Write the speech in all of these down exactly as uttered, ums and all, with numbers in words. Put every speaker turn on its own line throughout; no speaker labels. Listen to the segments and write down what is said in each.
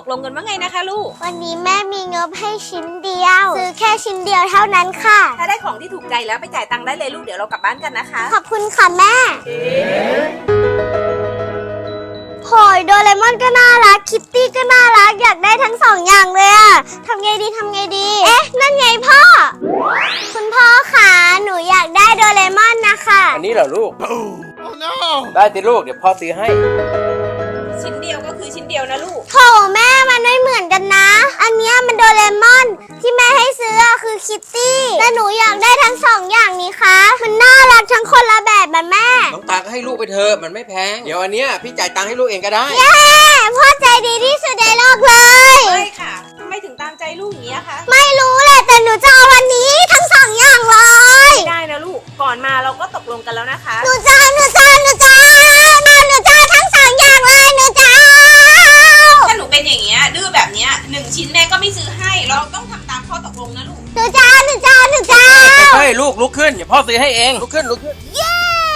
ลงกันว่าไงนะคะลูก
วันนี้แม่มีงบให้ชิ้นเดียวซื้อแค่ชิ้นเดียวเท่านั้นค่ะ
ถ้าได้ของที่ถูกใจแล้วไปจ่ายตังค์ได้เลยลูกเดี๋ยวเรากลับบ้านกันนะคะ
ขอบคุณค่ะแม่โหยโดเรมอนก็น่ารักคิตตี้ก็น่ารักอยากได้ทั้งสองอย่างเลยอะทำไงดีทำไงดีเอ๊ะนั่นไงพ่อคุณพ่อคะหนูอยากได้โดเรมอนนะคะ
อันนี้เหรอลูก oh, no. ได้สิลูกเดี๋ยวพ่อซื้อให้
ชิ้นเดียวก็คือชิ้นเดียวนะลูก
โถแม่มันไม่เหมือนกันนะอันนี้มันโดเรมอนที่แม่ให้ซื้อคือคิตตี้แต่หนูอยากได้ทั้งสองอย่างนี้คะมันน่ารักทั้งคนละแบบมันแม่
น้องตาก็ให้ลูกไปเถอะมันไม่แพงเดี๋ยวอันเนี้ยพี่จ่ายตังค์ให้ลูกเองก็ได้
เย้พ่อใจดีที่สุดในโลกเลย
ไม่ค่ะทำไมถึงตามใจลูกอย่างนี้คะ
ไม่รู้แหละแต่หนูจะเอาวันนี้ทั้งสองอย่างเลย
ไม่ได้นะลูกก่อนมาเราก็ตกลงกันแล้วนะคะ
หนูจะหนูจะหนูจะหนูจะทั้งสองอย่างเลยหนูจะ
ถ้าหนูเป็นอย่างเงี้ยดื้อแบบเนี้ยหนึ่งชิ้นแม่ก็ไม่ซื้อให้เราต้องทำตามข้อตกลงนะลูก
หนูจะหนูจะหนูจะ
เฮ้ยลูกลุกขึ้นเดี๋ยวพ่อซื้อให้เองลุกขึ้นลุกขึ้น
เย้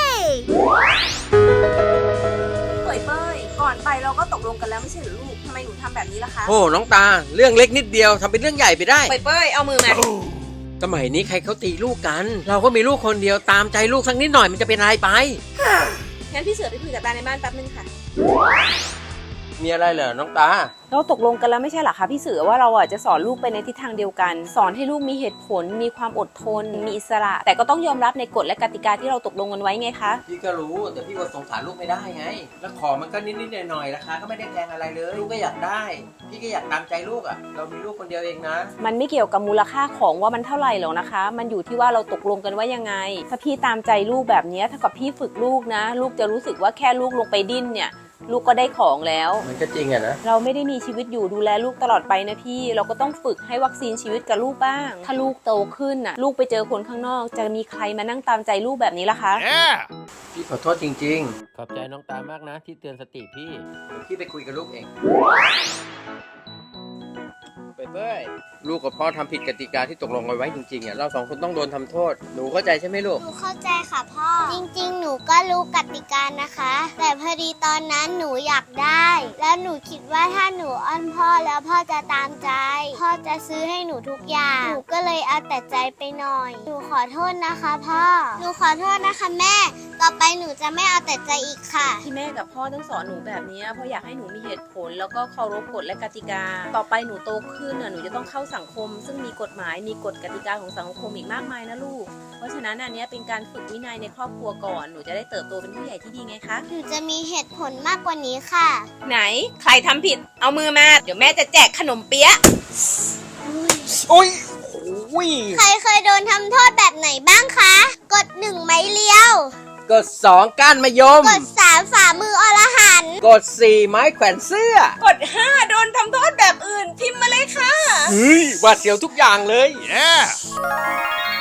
เป้ยเป้ยก่อนไปเราก็ตกลงกันแล้วไม่ใช่หรือลูกทำไมหนูทำแบบนี้ล่ะคะ
โอ้น้องตาเรื่องเล็กนิดเดียวทำเป็นเรื่องใหญ่ไปได้
เป้ยเป้ยเอามือมา
สมัยนี้ใครเขาตีลูกกันเราก็มีลูกคนเดียวตามใจลูกสักนิดหน่อยมันจะเป็นอะไรไป
งั้นพี่เสือไปคุยกับตาในบ้านแป๊บนึงค่ะ
มีอะไรเหรอน้องตา
เราตกลงกันแล้วไม่ใช่หรอคะพี่เสือว่าเราอ่ะจะสอนลูกไปในทิศทางเดียวกันสอนให้ลูกมีเหตุผลมีความอดทนมีอิสระแต่ก็ต้องยอมรับในกฎและกติกาที่เราตกลงกันไว้ไงคะ
พี่ก็รู้แต่พี่ก็สงสารลูกไม่ได้ไงแล้วของมันก็นิดๆหน่อยๆราคาก็ไม่ได้แพงอะไรเลยลูกก็อยากได้พี่ก็อยากตามใจลูกอ่ะเรามีลูกคนเดียวเองนะ
มันไม่เกี่ยวกับมูลค่าของว่ามันเท่าไหร่หรอกนะคะมันอยู่ที่ว่าเราตกลงกันว่ายังไงถ้าพี่ตามใจลูกแบบนี้ถ้ากับพี่ฝึกลูกนะลูกจะรู้สึกว่าแค่ลูกลงไปดิ้นเนี่ยลูกก็ได้ของแล้ว
มันก็จริงอะนะ
เราไม่ได้มีชีวิตอยู่ดูแลลูกตลอดไปนะพี่เราก็ต้องฝึกให้วัคซีนชีวิตกับลูกบ้างถ้าลูกโตขึ้นน่ะลูกไปเจอคนข้างนอกจะมีใครมานั่งตามใจลูกแบบนี้ล่ะคะ
yeah. พี่ขอโทษจริงๆขอบใจน้องตามากนะที่เตือนสติพี่พี่ไปคุยกับลูกเองไปเป้ยลูกกับพ่อทำผิดกติกาที่ตกลงกันไว้จริงๆอ่ะเราสองคนต้องโดนทำโทษหนูเข้าใจใช่ไหมลูก
หนูเข้าใจค่ะพ่อจริงๆหนูก็รู้กติกานะคะแต่พอดีตอนนั้นหนูอยากได้แล้วหนูคิดว่าถ้าหนูอ้อนพ่อแล้วพ่อจะตามใจพ่อจะซื้อให้หนูทุกอย่างหนูก็เลยเอาแต่ใจไปหน่อยหนูขอโทษนะคะพ่อหนูขอโทษนะคะแม่ต่อไปหนูจะไม่เอาแต่ใจอีกค่ะ
ที่แม่กับพ่อต้องสอนหนูแบบนี้เพราะอยากให้หนูมีเหตุผลแล้วก็เคารพกฎและกติกาต่อไปหนูโตขึ้นหนูจะต้องเข้าสังคมซึ่งมีกฎหมายมีกฎกติกาของสังคมอีกมากมายนะลูกเพราะฉะนั้นอันนี้เป็นการฝึกวินัยในครอบครัวก่อนหนูจะได้เติบโตเป็นผู้ใหญ่ที่ดีไงคะ
หนูจะมีเหตุผลมากกว่านี้ค่ะ
ไหนใครทำผิดเอามือมาเดี๋ยวแม่จะแจกขนมเปี๊ยะ
โอ้ย
ใครเคยโดนทำโทษแบบไหนบ้างคะกดหนึ่งไม้เลี้ยว
กดสองก้านมะยม
กดสามฝ่ามืออรหันต์
กดสี่ไม้แขวนเสื้
อกดห้าโดนทำโทษแบบอื่นพิมพ์มาเลยค่ะ
เฮ้ยหวาดเสียวทุกอย่างเลย yeah